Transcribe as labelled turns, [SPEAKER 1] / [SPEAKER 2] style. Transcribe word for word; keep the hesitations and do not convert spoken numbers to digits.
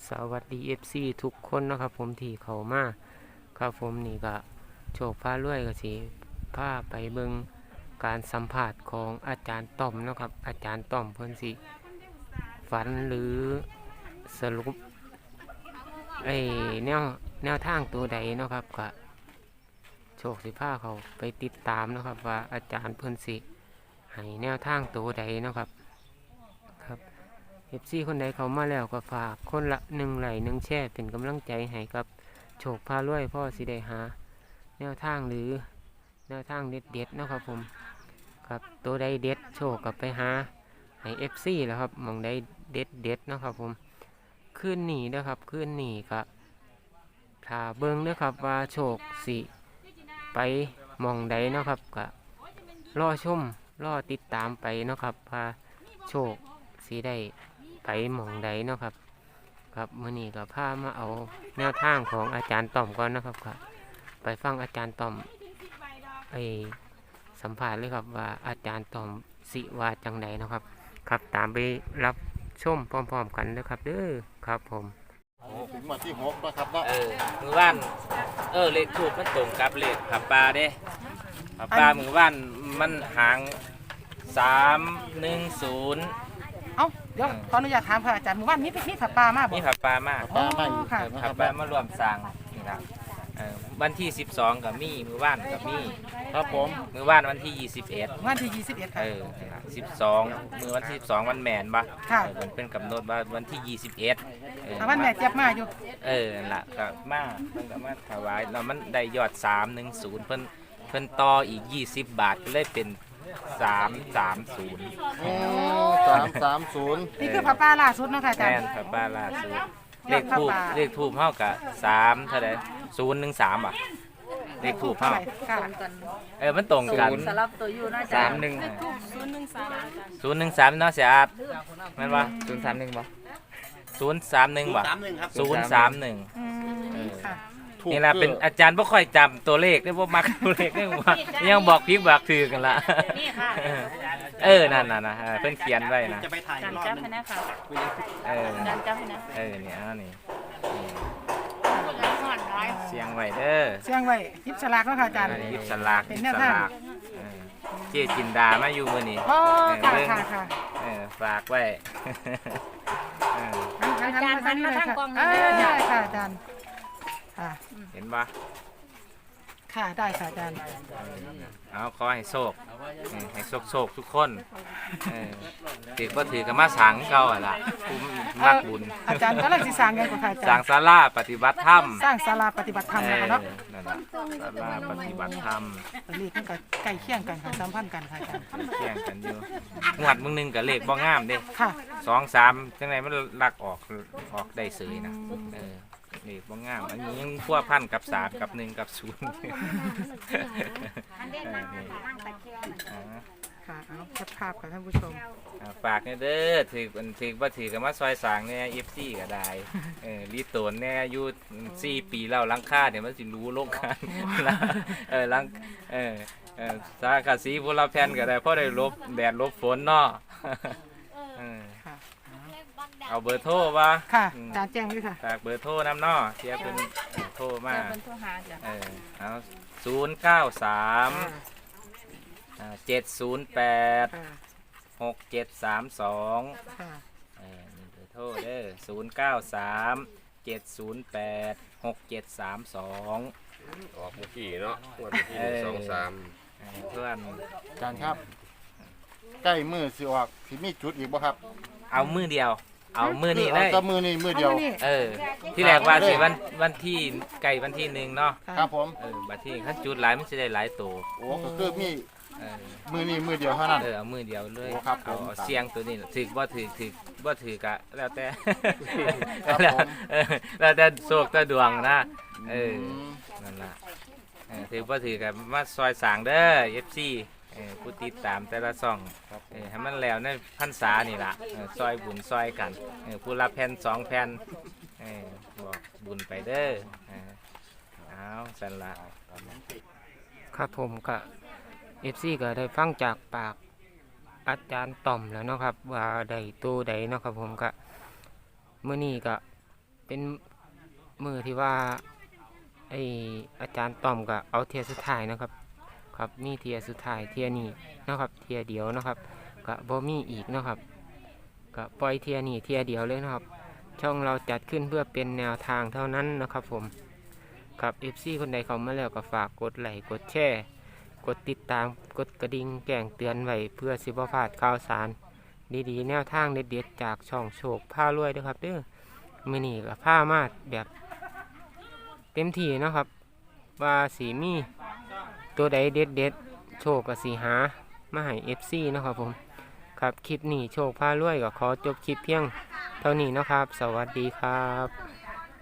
[SPEAKER 1] สวัสดี เอฟ ซี ทุกคนนะครับผมที่เข้ามาครับผมนี่ก็โชคพารวยก็สิพาไปเบิ่งการสัมภาษณ์ของอาจารย์ต้อมนะครับอาจารย์ต้อมเพิ่นสิฝันหรือสรุปไอ้แนวแนวทางตัวใดเนาะครับก็โชคสิพาเขาไปติดตามนะครับว่าอาจารย์เพิ่นสิให้แนวทางตัวใดเนาะครับครับ เอฟ ซี คนใดเข้ามาแล้วก็ฝากคนละหนึ่งไหลค์หนึ่งแชร์เป็นกำลังใจให้กับโชคพารวยพ่อสิได้หาแนวทางหรือแนวทางเด็ดเด็ดๆเนาะครับผมครับตัวใดเด็ดโชคกับไปหาให้ เอฟ ซี แล้วครับหมองใดเด็ดเด็ดๆเนาะครับผมขึ้นหนีนะครับขึ้นหนีก็ถ้าเบิ้งนะครับว่าโชคสิไปหมองใดเนาะครับก็รอชมรอติดตามไปเนาะครับว่าโชคสิได้ไปหมองใดเนาะครับครับมื้อนี้ก็พามาเอาแนวทางของอาจารย์ต้อมก่อนนะครับครับไปฟังอาจารย์ต้อมไอสัมภาษณ์เลยครับว่าอาจารย์ต้อมสิว่าจังใดเนาะครับครับตามไปรับชมพร้อมๆกันนะครับเด้อครับผม
[SPEAKER 2] โอ้ถึงวันที่หกแล้วครับเนาะ
[SPEAKER 3] เออมือว่านเออเลขถูกมันตรงกับเลขผับปลาเด้ผับปลามือว่านมันหางสามหนึ่งศูนย์
[SPEAKER 4] เอ้าเดี๋ยวขออนุญาตถามพระอาจารย์หมู่บ้านนี้มีผับปลามากบ่
[SPEAKER 3] มีผับปลามาก
[SPEAKER 2] ป้าไม่อีก
[SPEAKER 4] ค่ะ
[SPEAKER 2] นะค
[SPEAKER 3] ผั
[SPEAKER 2] รั
[SPEAKER 3] บบ ปลามารวมสร้างนี่ครับเออวันที่สิบสองกับมีมือว่านกับมี
[SPEAKER 2] ครับผม
[SPEAKER 3] มือว่านวันที่ยี่สิบเอ็ด
[SPEAKER 4] วันที่ยี่สิบเอ็ดค่ะ
[SPEAKER 3] เออสิบสองมือวันที่สิบสองวันแมนปะ
[SPEAKER 4] ค่ะ
[SPEAKER 3] เออมันเป็นกำหนดว่าวันที่ยี่สิบเอ็ดเออ
[SPEAKER 4] ถ้าวันแม่เจ็บมาอยู่
[SPEAKER 3] เออนั่นล่ะก็มาเพิ่นก็มาถวายแล้วมันได้ยอดสามหนึ่งศูนย์เพิ่นเพิ่นต่ออีกยี่สิบบาทก็เลยเป็นสามสามศูนย์
[SPEAKER 2] โอ้สามสามศูนย์
[SPEAKER 4] นี่คือผับปลาล่าสุดเนาะค่ะอาจาร
[SPEAKER 3] แม่
[SPEAKER 4] ย์
[SPEAKER 3] นพระป้าล่าสุด
[SPEAKER 4] ย
[SPEAKER 3] เล
[SPEAKER 4] อด
[SPEAKER 3] ข
[SPEAKER 4] พระ
[SPEAKER 3] ทูบ
[SPEAKER 4] ป่า
[SPEAKER 3] เลขทูบเฮากะสามเท่าไหร่ศูนย์หนึ่งสามอ่ะเลขทูบเฮา
[SPEAKER 4] ค่ะ
[SPEAKER 3] เออมันตรงกัน
[SPEAKER 5] สลับตัวอยู่นะ
[SPEAKER 3] สา
[SPEAKER 5] จ๊ะ
[SPEAKER 3] มหนึ่ง
[SPEAKER 5] ศูนย์หนึ่งสาม
[SPEAKER 3] ศูนย์หนึ่งสามเนาะเสียอาดแม่นบ่ศูนย์สามหนึ่งบ่ศูนย์สามหนึ่งบ่ศูนย์สามหนึ่ง
[SPEAKER 4] อืมค่ะ
[SPEAKER 2] ถูก
[SPEAKER 3] นี่แหละเป็นอาจารย์บ่ค่อยจำตัวเลขได้บ่มักตัวเลขได้ว่ายังบอกพิกบอกถือกันละ
[SPEAKER 5] นี่ค่ะ
[SPEAKER 3] เออนั่นน่ะนะเออเพิ่นเขียนไว้นะ
[SPEAKER 5] การจับให้นะค่ะ
[SPEAKER 3] เออ
[SPEAKER 5] การจับให้นะ
[SPEAKER 3] เออเนี่ยอันนี้
[SPEAKER 5] หอนร้อย
[SPEAKER 3] เสียงไว้เด้อ
[SPEAKER 4] เสียงไว้ยิบสลากเนาะค่ะอาจารย์
[SPEAKER 3] หยิบสลาก
[SPEAKER 4] เป็น
[SPEAKER 3] หยิ
[SPEAKER 4] แน
[SPEAKER 3] บ
[SPEAKER 4] ว
[SPEAKER 3] ส
[SPEAKER 4] ทาง
[SPEAKER 3] ลากเออเจ๊จินดามาอยู่มื้อนี้
[SPEAKER 4] โอ้ค่ะ
[SPEAKER 3] เบิ่ง
[SPEAKER 4] ค่ะค่ะ
[SPEAKER 3] เออฝากไว้ เออ
[SPEAKER 4] อาจารย์หันมาทางกล้องเออได้ค่ะอาจารย์ค่ะ
[SPEAKER 3] เห็นบ่
[SPEAKER 4] ค่ะได้ค่ะอาจารย์
[SPEAKER 3] เอาขอให้โชคเออให้โชคโชคทุกคนเออถือบ่ถือก็มาสร้างเก่าอ่ะล่ะผู้มักบุญ
[SPEAKER 4] อาจารย์กำลังสิสร้างกันก่อนค่ะอา
[SPEAKER 3] ส
[SPEAKER 4] จา
[SPEAKER 3] ร้าง
[SPEAKER 4] รย์
[SPEAKER 3] ศาลาปฏิบัติธรรม
[SPEAKER 4] สร้างศาลาปฏิบัติธรรม
[SPEAKER 3] เอ
[SPEAKER 4] นะคะ
[SPEAKER 3] อ
[SPEAKER 4] เนาะ
[SPEAKER 3] นั่นล่ะศาลาปฏิบัติธรรม
[SPEAKER 4] เลขมันก็ใกล้เคียงกันค่ะสัมพันธ์กันค่ะอาจารย์
[SPEAKER 3] เที่ยงกันอยู่งวดมึงหนึงกับเลขบ่งามเด้
[SPEAKER 4] ค่ะ
[SPEAKER 3] สองสามจังไรมันลักออกออกได้เสยนะเออเลขบ่งามอันนี้ยังพัวพันกับสามกับหนึ่งกับศูนย์เออนี่อ่า
[SPEAKER 4] ค่ะเอาแคปภาพค่ะท่านผู้ชม
[SPEAKER 3] อ่าฝากเนี่ยเด้อถือมันถือว่าถือกันมาซอยสร้างเนี่ยเอฟซีก็ได้เออรีโตนเนี่ยอายุสี่ปีแล้วหลังค่าเดี๋ยวมันสิรู้โลกกันเออหลังเออเออสาขาสีพวกเราแพนก็ได้เพราะได้ลบแดดลบฝนเนาะเออ
[SPEAKER 4] ค่ะ
[SPEAKER 3] เอาเบอร์โทรวะ
[SPEAKER 4] ค่ะ
[SPEAKER 3] อืม
[SPEAKER 4] อาจารย์แจ้งด้วยค่ะ
[SPEAKER 3] ฝากเบอร์โทรน้ำเนาะเทียบเป็นเออโทรมา
[SPEAKER 5] จะเป็นตัวหาจ้ะ
[SPEAKER 3] เออเอาศูนย์เก้าสามเจ็ดศูนย์แปด
[SPEAKER 4] ค่ะ
[SPEAKER 3] หกเจ็ดสามสอง
[SPEAKER 4] ค่ะ
[SPEAKER 3] เออนี่เบอร์โทรเด้อศูนย์เก้าสามเจ็ดศูนย์แปดหกเจ็ดสามสอง
[SPEAKER 6] ออกเมื่อกี้เนาะงวดเมื่อกี้หนึ่งสองสาม
[SPEAKER 3] เพื่อน
[SPEAKER 2] อาจารย์ครับ ใกล้มือสิออกสิมีจุดอีกบ่ครับ
[SPEAKER 3] เอามือเดียว เอามือนี้เล
[SPEAKER 2] เอา
[SPEAKER 3] ย
[SPEAKER 2] แต่มือนี่มือเดียว
[SPEAKER 4] เอามานี่
[SPEAKER 3] เออ ที่แรกว่าสิวันวันที่ไก่วันที่หนึ่งเนาะ
[SPEAKER 2] ครับผม
[SPEAKER 3] เออบัดที่ขั้นจุดหลายมันจะได้หลายตัว
[SPEAKER 2] โอ้ก็คือมี
[SPEAKER 3] เออ
[SPEAKER 2] มือนี่มือเดียวเท่านั้น
[SPEAKER 3] เออเอามือเดียวเลย
[SPEAKER 2] โอ้ครับผม
[SPEAKER 3] เอาเสียงตัวนี้ถือว่าถือถือว่าถือกะแล้วแต่
[SPEAKER 2] ครับ
[SPEAKER 3] แล้ว
[SPEAKER 2] ผม
[SPEAKER 3] เออแล้วแต่โชคแต่ดวงนะเออ
[SPEAKER 2] ม
[SPEAKER 3] นั่นล่ะเออถือว่าถือกับมาซอยสางเด้อเอฟซีเออผู้ติดตามแต่ละซ่องเออให้มันแล้วในพรรษานี่ล่ะเออซอยบุญซอยกันเออผู้ละแผ่นสองแผ่นเออบอกบุญไปเด้อเออเอาสันละ
[SPEAKER 1] ครับผมก็เอฟซีก็ได้ฟังจากปากอาจารย์ต่อมแล้วเนาะครับว่าใดตัวใดเนาะครับผมก็เมื่อนี้ก็เป็นมือที่ว่าไออาจารย์ต้อมก็เอาเทียสุดท้ายนะครับครับมีเทียสุดท้ายเทียนี้นะครับเทียเดียวนะครับก็บ่มีอีกนะครับก็ปล่อยเทียนี้เทียเดียวเลยนะครับช่องเราจัดขึ้นเพื่อเป็นแนวทางเท่านั้นนะครับผมครับ เอฟ ซี คนใดเข้ามาแล้วก็ฝากกดไลค์กดแชร์กดติดตามกดกระดิ่งแจ้งเตือนไว้เพื่อสิบ่พลาดข่าวสารดีๆแนวทางเด็ดๆจากช่องโชคพารวยด้วยครับเด้อมื้อนี้ก็พามาแบบเต็มที่เนาะครับว่าสีมีตัวใดเด็ดๆโชคกับสีหามาให้ เอฟ ซี เนาะครับผมครับคลิปนี้โชคพารวยก็ขอจบคลิปเพียงเท่านี้เนาะครับสวัสดีครับ